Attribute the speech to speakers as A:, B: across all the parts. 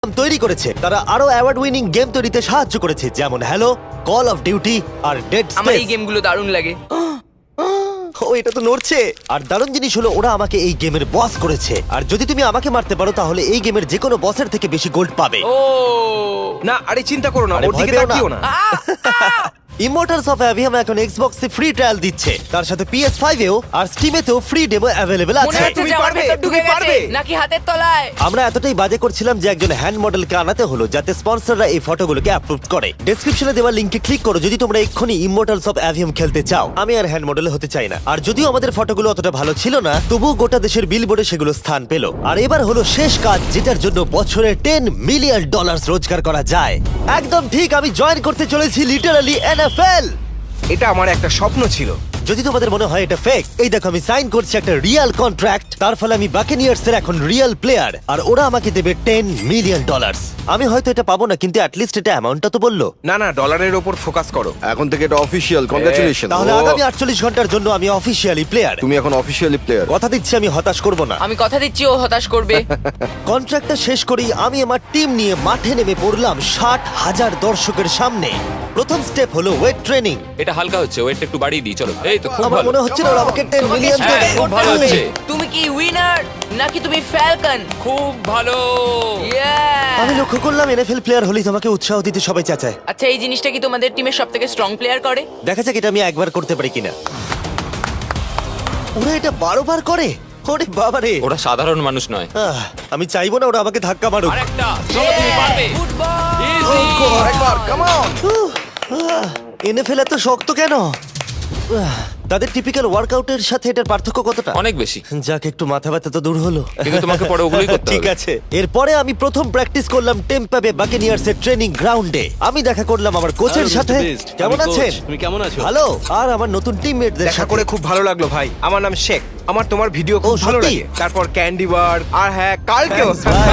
A: তৈরি করেছে। তারা আরো অ্যাওয়ার্ড উইনিং গেম তৈরিতে সাহায্য করেছে, যেমন হ্যালো, কল অফ ডিউটি আর ডেড
B: আমার এই
A: স্পেস।
B: গেমগুলো দারুণ লাগে।
A: ও, এটা তো নড়ছে। আর দারুণ জিনিস হলো, ওরা আমাকে এই গেমের বস করেছে। আর যদি তুমি আমাকে মারতে পারো তাহলে এই গেমের যে কোনো বসের থেকে বেশি গোল্ড পাবে।
B: ও
C: না আরে চিন্তা করো না,
A: আরে
C: ওর
A: ভয়
C: দিকে
A: পেও না।
C: তাকিও না।
A: ইমমর্টালস অফ অ্যাভিয়াম এখন এক্সবক্সে ফ্রি ট্রায়াল দিচ্ছে, তার সাথে PS5 এও আর স্টিমেতেও ফ্রি ডেমো অ্যাভেলেবল
B: মনে
A: আছে।
B: হচ্ছে
C: তুমি
B: যে আমার
C: পারবে,
B: ভেতর ঢুকে
C: তুমি
B: গেছে
C: পারবে।
B: নাকি হাতের তলায়।
A: আমরা এতটাই বাজে করছিলাম যে একজন হ্যান্ড মডেলকে আনাতে হলো যাতে স্পন্সররা এই ফটোগুলোকে অ্যাপ্রুভ করে। ডেসক্রিপশনে দেওয়া লিংকে ক্লিক করো যদি তোমরা এক্ষুনি ইমমর্টালস অফ অ্যাভিয়াম খেলতে চাও। আমি আর হ্যান্ড মডেল হতে চাই না। আর যদিও আমাদের ফটোগুলো অতটা ভালো ছিল না, তবুও গোটা দেশের বিলবোর্ডে সেগুলো স্থান পেল। আর এবার হলো শেষ কাজ, যেটার জন্য বছরে $10 মিলিয়ন রোজগার করা যায়। একদম ঠিক, আমি জয়েন করতে চলেছি লিটারালি NFL।
C: এটা আমার একটা স্বপ্ন ছিল।
A: যদি তোমাদের মনে হয় এটা ফেক, এই দেখো আমি সাইন করছি একটা রিয়েল কন্ট্রাক্ট। তার ফলে আমি বাকেনিয়ার্স এর এখন রিয়েল প্লেয়ার, আর ওরা আমাকে দেবে $10 মিলিয়ন। আমি হয়তো এটা পাবো না, কিন্তু অ্যাটলিস্ট এটা অ্যামাউন্টটা তো বললো।
C: না না, ডলারের ওপর ফোকাস করো।
D: এখন থেকে এটা অফিসিয়াল, কংগ্রাচুলেশন।
A: তাহলে আগামী 48 ঘন্টার জন্য আমি অফিসিয়ালি প্লেয়ার।
D: তুমি এখন অফিসিয়ালি প্লেয়ার।
A: কথা দিচ্ছি আমি হতাশ করব না।
B: আমি কথা দিচ্ছি ও হতাশ করবে।
A: কন্ট্রাক্টটা শেষ করেই আমি আমার টিম নিয়ে মাঠে নেমে পড়লাম 60,000 দর্শকের সামনে। প্রথম স্টেপ হলো ওয়েট ট্রেনিং।
E: এটা হালকা হচ্ছে, ওয়েটটা একটু বাড়িয়ে দিই। চলো, এই তো খুব
A: আমার
E: ভালো।
A: মনে হচ্ছে না ওরা আমাকে 10
B: তোমাকে
A: মিলিয়ন
B: start
A: দেবে।
E: খুব
B: করতে
E: ভালো
B: হবে।
E: হচ্ছে।
B: তুমি কি উইনার নাকি তুমি ফ্যালকন?
E: খুব ভালো।
A: আমি লক্ষ্য করলাম NFL প্লেয়ার হলেই তোমাকে উৎসাহ দিতে সবাই চাচায়।
B: আচ্ছা, এই জিনিসটা কি তোমাদের টিমের সবথেকে স্ট্রং প্লেয়ার করে?
A: দেখা যাক এটা আমি একবার করতে পারি কিনা। ওরা এটা 12 বার করে। ওরে বাবারে।
E: ওরা সাধারণ মানুষ নয়।
A: আমি চাইবো না ওরা আমাকে ধাক্কা মারুক।
E: আরেকটা, চলো তুমি পারবে।
B: ফুটবল।
E: Easy!
D: আরেকবার, কাম অন।
A: NFL এত শক্ত কেন? তাদের টিপিক্যাল ওয়ার্কআউটের সাথে এটার পার্থক্য কতটা?
E: অনেক বেশি।
A: যাক, একটু মাথা ব্যথা তো দূর হলো।
E: কিন্তু তোমাকে পরে ওগুলোই করতে
A: ঠিক
E: হবে।
A: আছে। এরপরে আমি প্রথম প্র্যাকটিস করলাম টেম্পা বে বাকেনিয়ার্স এর ট্রেনিং গ্রাউন্ডে। আমি দেখা করলাম আমার কোচের সাথে। কেমন আছেন?
F: তুমি কেমন আছো?
A: ভালো। আর আমার নতুন টিমমেটদের
C: দেখা
A: সাথে
C: করে খুব ভালো লাগলো ভাই। আমার নাম শেখ। আমার তোমার ভিডিও খুব
A: ও,
C: ভালো
A: সত্যি?
C: লাগে। তারপর ক্যান্ডি বার আর হ্যাঁ কালকেও।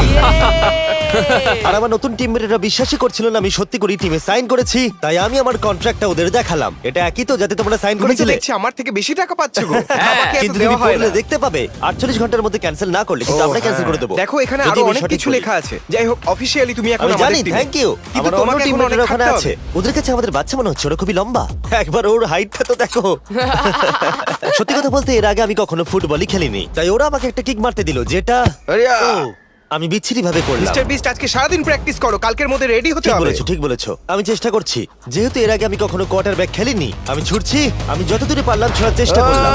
A: আর আমার নতুন টিমমেটরা বিশ্বাসই করছিল না আমি সত্যি করে টিমে সাইন করেছি। তাই আমি আমার কন্ট্রাক্টটা ওদের দেখালাম। এটা একই তো যাতে তোমরা সাইন
C: তুমি তো
A: করেছিলে?
C: দেখছি আমার থেকে বেশি টাকা পাচ্ছ গো। আমাকে এত
A: কিন্তু তুমি
C: দেওয়া হয়
A: পড়লে
C: না।
A: দেখতে পাবে 48 ঘন্টার মধ্যে ক্যান্সেল না করলে কিন্তু
C: ও,
A: আমরা ক্যান্সেল
C: হ্যাঁ।
A: করে দেবো।
C: দেখো এখানে
A: যদি
C: আরো
A: আমি
C: অনেক
A: সঠিক
C: কিছু
A: বলি।
C: লেখা আছে। যাই হোক, অফিশিয়ালি তুমি এখন
A: আমি
C: আমাদের
A: জানি,
C: টিমে।
A: Thank you.
C: কিন্তু
A: আমার অন্য
C: তোমাকে এখন
A: টিমমেটরা
C: অনেক
A: ওখানে
C: খাটতে
A: আছে।
C: হবে।
A: ওদের কাছে আমাদের বাচ্চা মনে হচ্ছে, ওরা খুবই লম্বা। একবার ওর হাইটটা তো দেখো। সত্যি কথা বলতে এর আগে আমি কখনো ফুটবলই খেলিনি, তাই ওরা আমাকে একটা কিক মারতে দিল, যেটা
D: আরিয়া।
A: ও, আমি বিচ্ছিরি ভাবে করলাম।
C: মিস্টার বিস্ট আজকে সারাদিন প্র্যাকটিস করো, কালকের মধ্যে রেডি হতে
A: ঠিক
C: হবে।
A: বলেছো, ঠিক বলেছো। আমি চেষ্টা করছি। যেহেতু এর আগে আমি কখনো কোয়ার্টারব্যাক খেলিনি, আমি ছুটছি। আমি যতদূরে পারলাম ছোড়ার চেষ্টা করলাম।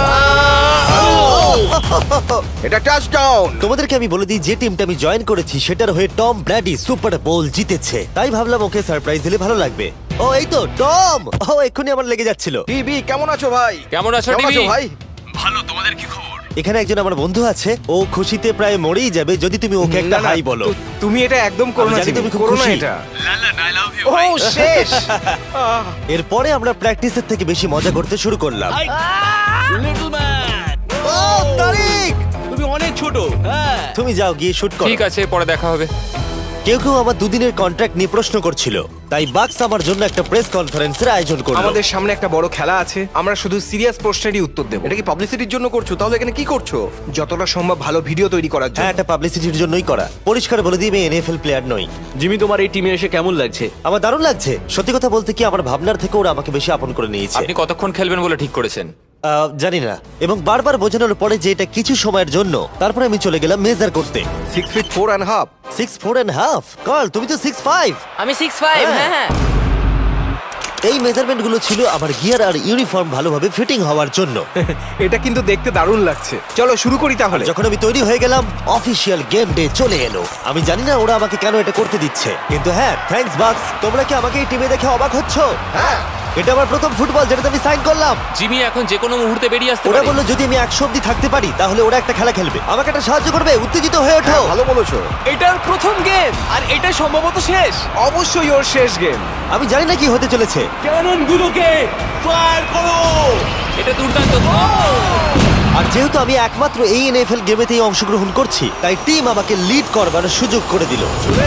D: এটা টাচডাউন।
A: তোমাদেরকে আমি বলে দিই, যে টিমটা আমি জয়েন করেছি সেটার হয়ে টম ব্র্যাডি সুপার বোল জিতেছে। তাই ভাবলাম ওকে সারপ্রাইজ দিলে ভালো লাগবে। ও, এই তো টম। ও, এক্ষুনি আমার লেগে যাচ্ছিল।
D: টিভি কেমন আছো ভাই?
E: কেমন আছো,
D: কেমন আছো
E: টিভি?
D: ভাই?
A: এখানে একজন আমার বন্ধু আছে, ও খুশিতে প্রায় মরেই যাবে যদি তুমি ওকে একটা
C: না, না,
A: হাই বলো।
C: তুমি এটা একদম করো
A: আমি
C: না,
A: জানি
C: জিমি,
A: তুমি খুব
C: করো না
A: খুশি।
C: এটা। ও শেষ।
A: এরপরে আমরা প্র্যাকটিসের থেকে বেশি মজা করতে শুরু করলাম।
F: লিটল ম্যান,
A: ও, তারিক,
F: তুমি অনেক ছোট। হ্যাঁ,
A: তুমি যাও গিয়ে শুট করো।
E: ঠিক আছে, পরে দেখা হবে।
A: কেউ কেউ আমার দুদিনের কন্ট্রাক্ট নিয়ে প্রশ্ন করছিল, তাই বাক্স আমার জন্য একটা প্রেস কনফারেন্সের আয়োজন করলো।
C: আমাদের সামনে একটা বড় খেলা আছে, আমরা শুধু সিরিয়াস প্রশ্নেরই উত্তর দেব।
D: এটা কি পাবলিসিটির জন্য করছো? তাহলে এখানে কি করছো?
C: যতটা সম্ভব ভালো ভিডিও তৈরি করার
A: হ্যাঁ,
C: জন্য।
A: এটা পাবলিসিটির জন্যই করা। পরিষ্কার বলে দিই, আমি NFL প্লেয়ার নই।
F: জিমি, তোমার এই টিমে এসে কেমন লাগছে?
A: আমার দারুণ লাগছে। সত্যি কথা বলতে কি, আমার ভাবনার থেকে ওরা আমাকে বেশি আপন করে নিয়েছে।
E: আপনি কতক্ষণ খেলবেন বলে ঠিক করেছেন?
A: জানি না, এবং বারবার বোঝানোর পরে যে এটা কিছু সময়ের জন্য, তারপরে আমি চলে গেলাম মেজার করতে।
C: 6 feet 4.5।
A: 6'4.5"। কল, তুমি তো 6'5".
B: আমি 6'5".
A: হ্যাঁ।
B: হ্যাঁ হ্যাঁ।
A: এই মেজারমেন্ট গুলো ছিল আমার গিয়ার আর ইউনিফর্ম ভালোভাবে ফিটিং হওয়ার জন্য।
C: এটা কিন্তু দেখতে দারুণ লাগছে। চলো শুরু করি তাহলে।
A: যখন আমি তৈরি হয়ে গেলাম, অফিসিয়াল গেম ডে চলে এলো। আমি জানি না ওরা আমাকে কেন এটা করতে দিচ্ছে, কিন্তু হ্যাঁ, থ্যাঙ্কস বাক্স। তোমরা কি আমাকে এই টিমে দেখে অবাক হচ্ছ?
D: হ্যাঁ।
A: এটা আমার প্রথম ফুটবল যেটাতে আমি সাইন করলাম।
E: জিমি এখন যে কোনো মুহূর্তে বেরিয়ে আসতে
A: ওরা
E: পারে।
A: বললো যদি আমি 100 অব্দি থাকতে পারি তাহলে ওরা একটা খেলা খেলবে, আমাকে একটা সাহায্য করবে। উত্তেজিত হয়ে ওঠো।
D: হ্যাঁ, ভালো বলেছো।
F: এটার প্রথম গেম আর এটা সম্ভবত শেষ।
C: অবশ্যই ওর শেষ গেম।
A: আমি জানি না কি হতে চলেছে।
F: ক্যাননগুলোকে ফায়ার করো।
E: এটা দুর্দান্ত।
A: আর যেহেতু আমি একমাত্র এই NFL গেমেতেই অংশগ্রহণ করছি, তাই টিম আমাকে লিড করবার সুযোগ করে দিল।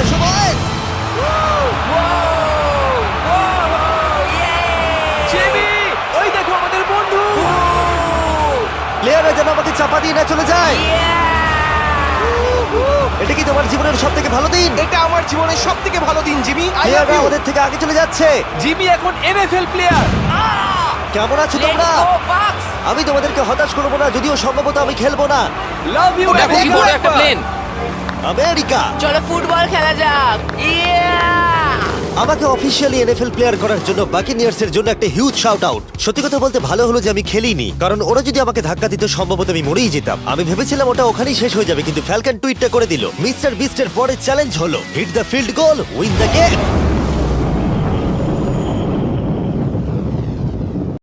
F: জিমি, ওই দেখো আমাদের বন্ধু।
A: প্লেয়াররা যেন আমাকে চাপা দিয়ে না চলে যায়। এটা কি তোমার জীবনের সব থেকে ভালো দিন?
C: এটা আমার জীবনের সব থেকে ভালো দিন, জিমি। আই লাভ
A: প্লেয়াররা
C: ইউ।
A: ওদের থেকে আগে চলে যাচ্ছে।
F: জিমি এখন এনএফএল প্লেয়ার।
A: কেমন আছো
B: লেটস
A: তোমরা?
B: গো বাক্স।
A: আমি তোমাদেরকে হতাশ করবো না, যদিও সম্ভবত আমি খেলবো না।
F: লাভ ইউ
E: দেখো কি বড় একটা প্লেন।
A: আমেরিকা
B: চলো ফুটবল খেলা যাক। ইয়া!
A: আমাকে অফিসিয়ালি এনএফএল প্লেয়ার করার জন্য বাকিনিয়ার্স এর জন্য একটা হিউজ শাউট আউট। সত্যি কথা বলতে ভালো হলো যে আমি খেলিনি, কারণ ওরা যদি আমাকে ধাক্কা দিত সম্ভবত আমি মরেই যেতাম। আমি ভেবেছিলাম ওটা ওখানেই শেষ হয়ে যাবে, কিন্তু ফ্যালকন টুইটটা করে দিল মিস্টার বিস্টের পরের চ্যালেঞ্জ হলো hit the field goal, win the game.